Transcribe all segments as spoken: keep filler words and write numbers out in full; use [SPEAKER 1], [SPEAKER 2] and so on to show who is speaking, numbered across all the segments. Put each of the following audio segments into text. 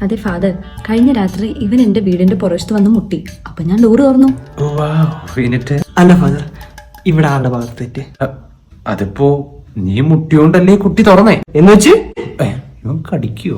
[SPEAKER 1] അതെ ഫാദർ, കഴിഞ്ഞ രാത്രി ഇവൻ എന്റെ വീടിന്റെ പുറത്ത് വന്ന് മുട്ടി. അപ്പൊ ഞാൻ ഡോറ് തുറന്നു.
[SPEAKER 2] അല്ല ഫാദർ, ഇവിടെ ആളുടെ ഭാഗത്ത് തെറ്റ്.
[SPEAKER 3] അതിപ്പോ നീ മുട്ടിയോണ്ടല്ലേ കുട്ടി തുറന്നേ
[SPEAKER 2] എന്ന് വെച്ച്
[SPEAKER 3] ഇവൻ കടിക്കുവോ?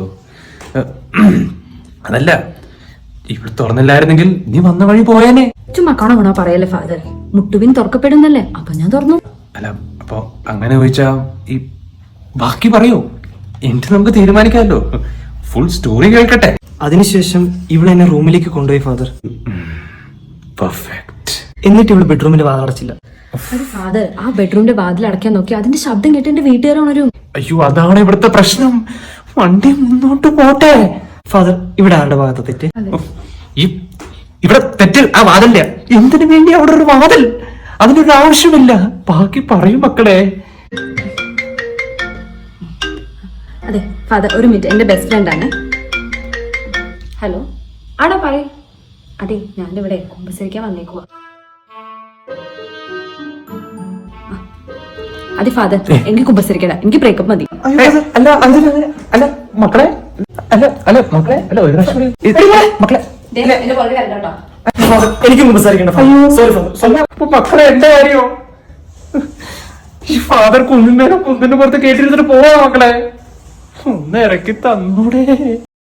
[SPEAKER 3] അതല്ല, ഇവിടെ തുറന്നില്ലായിരുന്നെങ്കിൽ നീ വന്ന വഴി പോയേനെ.
[SPEAKER 1] ചുമ്മാ കണ പറയല്ലേ ഫാദർ, മുട്ടുവിൻ തുറക്കപ്പെടുന്നല്ലേ, അപ്പൊ ഞാൻ തുറന്നു.
[SPEAKER 3] അല്ല, അപ്പൊ അങ്ങനെ ചോദിച്ചാ ഈ ബാക്കി പറയൂ, എന്നിട്ട് നമുക്ക് തീരുമാനിക്കാമല്ലോ. ഫുൾ സ്റ്റോറി കേൾക്കട്ടെ.
[SPEAKER 2] അതിനുശേഷം ഇവിടെ എന്നെ റൂമിലേക്ക് കൊണ്ടുപോയി ഫാദർ.
[SPEAKER 3] പെർഫെക്റ്റ്.
[SPEAKER 2] എന്നിട്ട് ഇവിടെ ബെഡ്റൂമിന്റെ വാതിൽ അടച്ചില്ല.
[SPEAKER 1] ഫാദർ, ആ ബെഡ്റൂമിന്റെ വാതിൽ അടയ്ക്കാൻ നോക്കി അതിന്റെ ശബ്ദം കേട്ട് എന്റെ വീട്ടുകാർ ഉണരും.
[SPEAKER 3] അയ്യോ, അതാണ് ഇവിടുത്തെ പ്രശ്നം. വണ്ടി മുന്നോട്ട് പോട്ടെ.
[SPEAKER 2] ഫാദർ, ഇവിടെ ആളുടെ ഭാഗത്ത് തെറ്റ്.
[SPEAKER 3] ഈ ഇവിടെ തെറ്റ് ആ വാതില്ല. എന്തിനു വേണ്ടി അവിടെ ഒരു വാതിൽ? അതിനൊരു ആവശ്യമില്ല. ബാക്കി പറയും മക്കളെ.
[SPEAKER 1] അതെ ഫാദർ, ഒരു മിനിറ്റ്, എന്റെ ബെസ്റ്റ് ഫ്രണ്ട് ആണ്. ഹലോ, ആടാ പറയ. അതെ, ഞാനിവിടെ കുമ്പസരിക്കാൻ വന്നേക്കുവാ. അതെ ഫാദർ, എനിക്ക് കുമ്പസരിക്കട, എനിക്ക് ബ്രേക്കപ്പ് മതി.
[SPEAKER 3] അല്ല അല്ല മക്കളെ, അല്ല അല്ല മക്കളെ, അല്ല ഒരു പ്രാവശ്യം മക്കളെ,
[SPEAKER 2] എനിക്ക് സംസാരിക്കണ്ട.
[SPEAKER 3] മക്കളെ എന്റെ കാര്യോ? ഈ ഫാദർ കുന്നിന്റെ കുന്നിന്റെ പുറത്ത് കേട്ടിരുന്നിട്ട് പോവാ മക്കളെ. ഒന്ന് ഇറക്കി തന്നൂടെ?